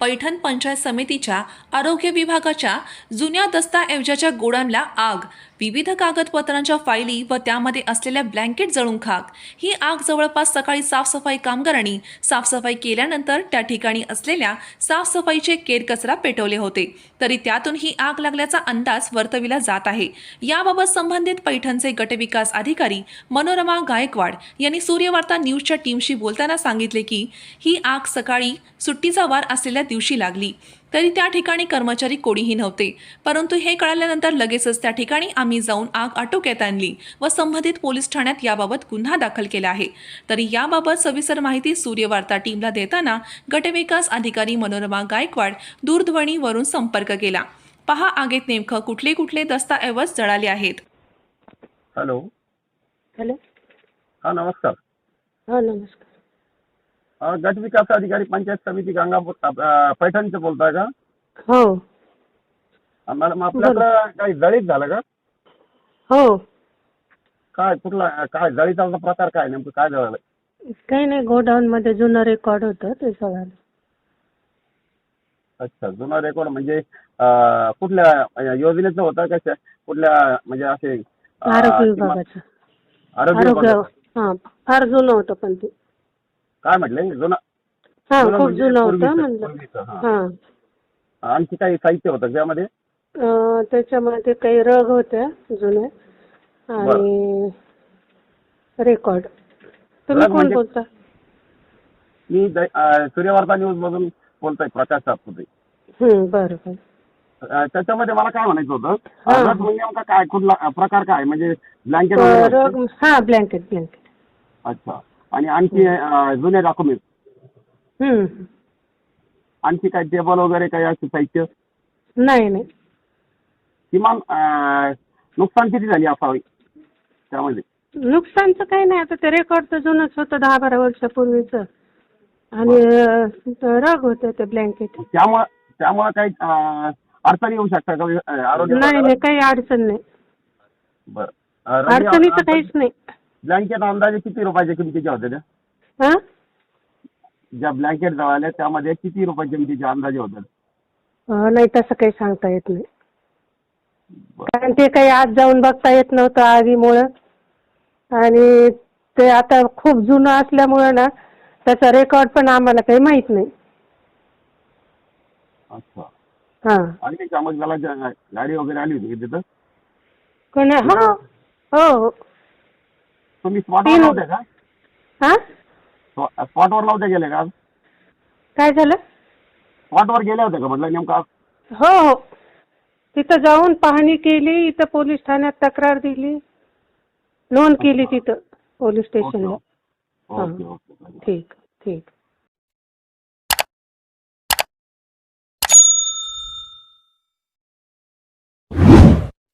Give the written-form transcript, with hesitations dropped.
पैठण पंचायत समितीच्या आरोग्य विभागाच्या जुन्या दस्तऐवजाच्या गोडाऊनला आग, विविध कागदपत्रांच्या फायली व त्यामध्ये असलेल्या ब्लँकेट जळून खाक। ही आग जवळपास सकाळी साफसफाई कामगारांनी साफसफाई केल्यानंतर त्या ठिकाणी असलेल्या साफसफाईचे केरकचरा पेटवले होते, तरी त्यातून ही आग लागल्याचा अंदाज वर्तविला जात आहे। याबाबत संबंधित पैठणचे गटविकास अधिकारी मनोरमा गायकवाड यांनी सूर्यवार्ता न्यूजच्या टीमशी बोलताना सांगितले की ही आग सकाळी सुट्टीचा वार असलेल्या दिवशी लागली, तरी त्या ठिकाणी कर्मचारी कोणीही नव्हते। परंतु हे कळाल्यानंतर लगेचच त्या ठिकाणी आम्ही जाऊन आग आटोक्यात आणली व संबंधित पोलीस ठाण्यात याबाबत गुन्हा दाखल केला आहे। तरी याबाबत सविस्तर माहिती सूर्यवार्ता टीमला देताना गटविकास अधिकारी मनोरमा गायकवाड दूरध्वनीवरून संपर्क केला। पहा आगीत नेमकं कुठले कुठले दस्तऐवज जळाले आहेत। Hello hello. हा नमस्कार. हा नमस्कार. गट विकास अधिकारी पंचायत समिती गंगापूर पैठणचे बोलताय का? हो. मॅडम आपल्याकडं काही जळीत झालं का? हो. काय काय जळीचा प्रकार काय नेमकं काय झालं? काही नाही, गोडाऊन मध्ये जुनं रेकॉर्ड होतं ते सगळं. अच्छा, जुना रेकॉर्ड म्हणजे कुठल्या योजनेचं होतं का कुठल्या म्हणजे असे आरोग्य विभागाचं. आरोग्य हा, फार जुनं होतं पण ते. काय म्हटले जुना? हा, खूप म्हणजे जुनं होतं पूर्वीचं, म्हणलं. हा. आणखी काही साहित्य होतं त्यामध्ये? त्याच्यामध्ये काही रग होत्या जुने आणि रेकॉर्ड. तुम्ही कोण म्हणजे बोलता? मी सूर्यवार्ता न्यूज मधून बोलतोय, प्रकाश सातपुते. बरं बरं. त्याच्यामध्ये मला काय म्हणायचं होतं, हा. रग म्हणजे नेमका काय, कुठला प्रकार काय, म्हणजे ब्लँकेट रग. हा, ब्लँकेट. अच्छा. आणि आणखी जुने डॉक्युमेंट, आणखी काय टेबल वगैरे काही असं साहित्य? नाही. किमान नुकसान किती झाली असावी त्यामध्ये? नुकसानचं काही नाही, आता ते रेकॉर्ड तर जुनंच होतं 10-12 वर्षापूर्वीचं. आणि रग होते ते ब्लँकेट. त्यामुळे काही अडचणी येऊ शकतात का आरोग्य? नाही, काही अडचण नाही. बरं. अडचणीचं काहीच नाही. ब्लँकेट अंदाजे किती रुपयाच्या किमतीच्या होत्या त्या? हा, ज्या ब्लँकेट जळाल्या त्यामध्ये किती रुपयाच्या किमतीचे अंदाजे होतात? नाही, तसं काही सांगता येत नाही, कारण ते काही आत जाऊन बघता येत नव्हतं आगीमुळं. आणि ते आता खूप जुनं असल्यामुळं ना, त्याचा रेकॉर्ड पण आम्हाला काही माहित नाही. अच्छा. हा. आणि त्यामध्ये मला गाडी वगैरे आली होती तिथं? कोण? हो. तुम्ही स्पॉटवर नव्हते का? हा, स्पॉटवर नव्हते गेले का? काय झालं? स्पॉटवर गेले होते का म्हटलं नेमका? हो. तिथं जाऊन पाहणी केली, इथं पोलीस ठाण्यात तक्रार दिली, नोंद केली तिथं पोलीस स्टेशनला. ओके. ठीक.